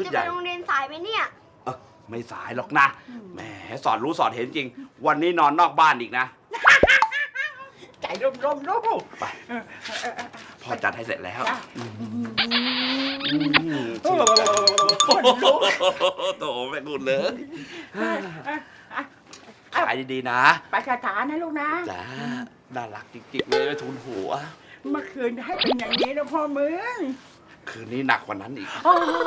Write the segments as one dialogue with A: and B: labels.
A: จะไปโรงเรียนสายไหมเนี่ย
B: ไม่สายหรอกนะแหมสอนรู้สอนเห็นจริงวันนี้นอนนอกบ้านอีกนะ
C: ใจร่มลูก
B: ไปพ่อจัดให้เสร็จแล้วโตแม่กุดเลยขายดีๆนะ
C: ไปคาถานะลูกนะ
B: จ้าน่ารักจริงๆเลยทุนหัว
C: เมื่อคืนให้เป็นอย่างนี้นะพ่อมึง
B: คืนนี้หนักกว่านั้นอีก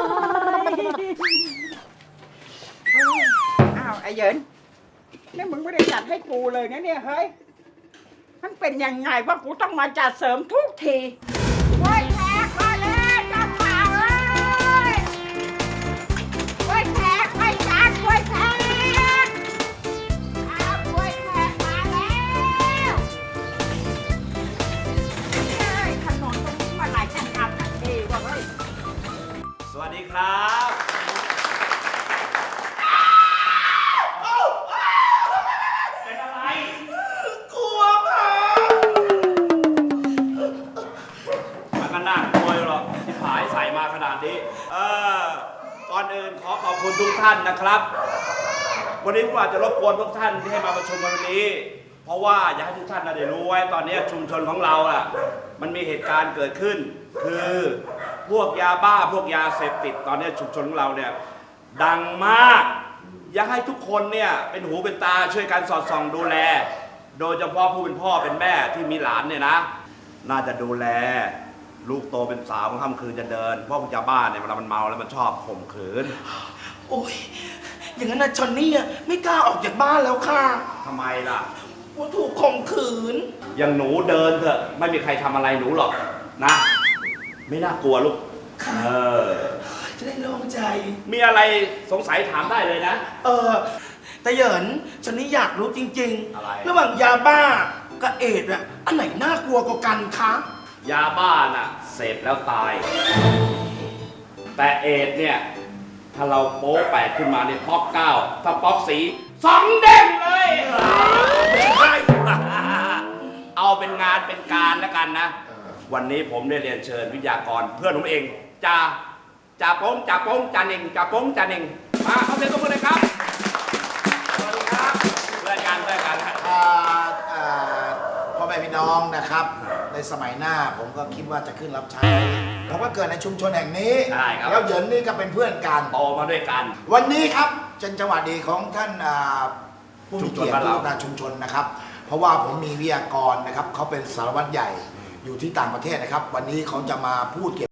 C: อ้าวไอ้เหยินนี่มึงไม่ได้จัดให้กูเลยนะเนี่ยเฮ้ยมันเป็นยังไงว่ากูต้องมาจัดเสริมทุกทีไว้แขกมาเลยเจ้าข่าวเลยไว้แขกไว้จัดไว้แขกอ้าวไว้แขกมาแล้วเฮ้ยถนนตรงนี้มาหลายจังหวัดดีว่ะเฮ้ย
B: สวัสดีครับขนาดนี้ก่อนอื่นขอบคุณทุกท่านนะครับวันนี้ผมอาจจะรบกวนทุกท่านที่ให้มาประชุมวันนี้เพราะว่าอยากให้ทุกท่านได้รู้ไว้ตอนนี้ชุมชนของเรามันมีเหตุการณ์เกิดขึ้นคือพวกยาบ้าพวกยาเสพติดตอนนี้ชุมชนของเราเนี่ยดังมากอยากให้ทุกคนเนี่ยเป็นหูเป็นตาช่วยกันสอดส่องดูแลโดยเฉพาะผู้เป็นพ่อเป็นแม่ที่มีหลานเนี่ยนะน่าจะดูแลลูกโตเป็นสาวค่ำคืนจะเดินเพราะยาบ้าเนี่ยเวลามันเมาแล้วมันชอบข่มขืน
D: โอ้ยอย่างนั้นนะชอนนี่ไม่กล้าออกจากบ้านแล้วค่ะ
B: ทำไมล่ะ
D: ว่าถูกข่มขืน
B: อย่างหนูเดินเถอะไม่มีใครทำอะไรหนูหรอกนะไม่น่ากลัวลูก
D: จะได้โล่งใจ
B: มีอะไรสงสัยถามได้เลยนะ
D: แต่เหยินชอนนี่อยากรู้จริง
B: ๆอะไร
D: ระหว่างยาบ้ากับเอดส์อันไหนน่ากลัวกว่ากันคะ
B: ยาบ้าน่ะเสพแล้วตายแต่เอดเนี่ยถ้าเราโป๊แปดขึ้นมาเนี่ยป๊อกเก้าถ้าป๊อกสีสองเด้งเลยเอาเป็นงานเป็นการแล้วกันนะวันนี้ผมได้เรียนเชิญวิทยากรเพื่อนผมเองจ่าโป้งจ่าเน่งมาเขาเซ็นตัวมือเลยครับสวัสดีครับเพื่อนกัน
E: พ่อแม่พี่น้องนะครับในสมัยหน้าผมก็คิดว่าจะขึ้นรับใช้ผมก็เกิดในชุมชนแห่งนี้แล้วเหยินนี่ก็เป็นเพื่อนกัน
B: โตมาด้วยกัน
E: วันนี้ครับเป็นจังหวะดีของท่านผู้มีเกียรติผู้นำชุมชนนะครับเพราะว่าผมมีวิทยากรนะครับเขาเป็นสารวัตรใหญ่อยู่ที่ต่างประเทศนะครับวันนี้เขาจะมาพูดเกี่ยว